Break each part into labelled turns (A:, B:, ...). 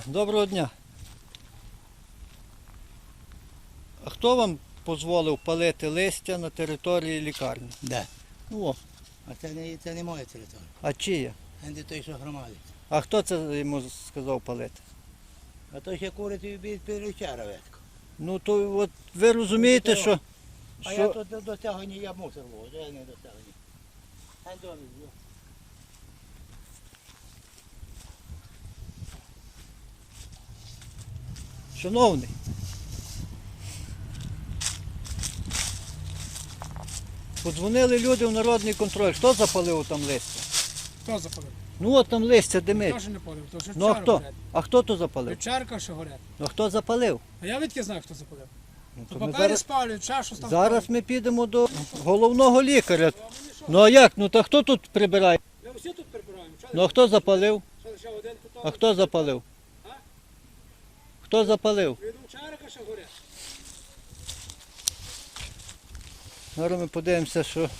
A: Доброго дня. А хто вам дозволив палити листя на території лікарні?
B: Де?
A: О,
B: А це не моя територія.
A: а чиє?
B: Це той, що громадить.
A: А хто це йому сказав палити?
B: А то ще курить від півлічара ветку.
A: Ну то от ви розумієте, що...
B: А я тут до цього не я мусор вожу, я не до цього ні.
A: Шановний, подзвонили люди в народний контроль. Хто запалив там листя?
C: Хто запалив?
A: Ну от там листя димить.
C: Хто ж не палив? То що
A: Ну а
C: чари
A: хто?
C: горять.
A: А хто то запалив?
C: Чарка що горять.
A: Ну хто запалив?
C: А я відки знаю, хто запалив.
A: Ну,
C: То
A: то ми
C: папері спалюють, чашу там
A: зараз ми підемо до головного лікаря. Ну а як? Ну та хто тут прибирає?
C: Ми всі тут прибираємо.
A: Ну а хто запалив?
C: Що лише один тут?
A: А хто запалив?
C: А?
A: Хто запалив?
C: Віду чарка що горять.
A: Зараз ми подивимося, що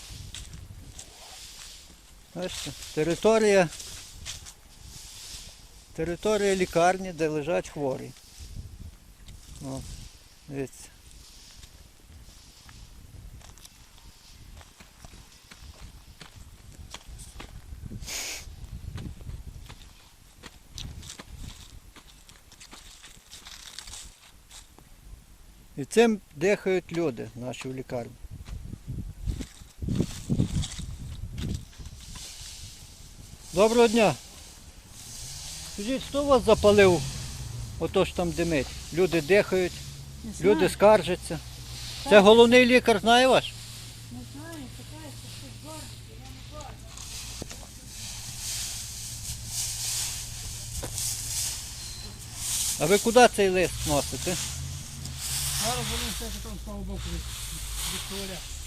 A: бачите, територія лікарні, де лежать хворі. О, дивіться. І цим дихають люди наші в лікарні. Доброго дня. Скажіть, хто вас запалив? Ото ж там димить. Люди дихають, люди скаржаться. Це головний лікар, знає ваш?
D: Не знаю, чекай, що щось бачить, я не бачу.
A: А ви куди цей лист носите?
C: Зараз вони все, що там з того боку від туалету.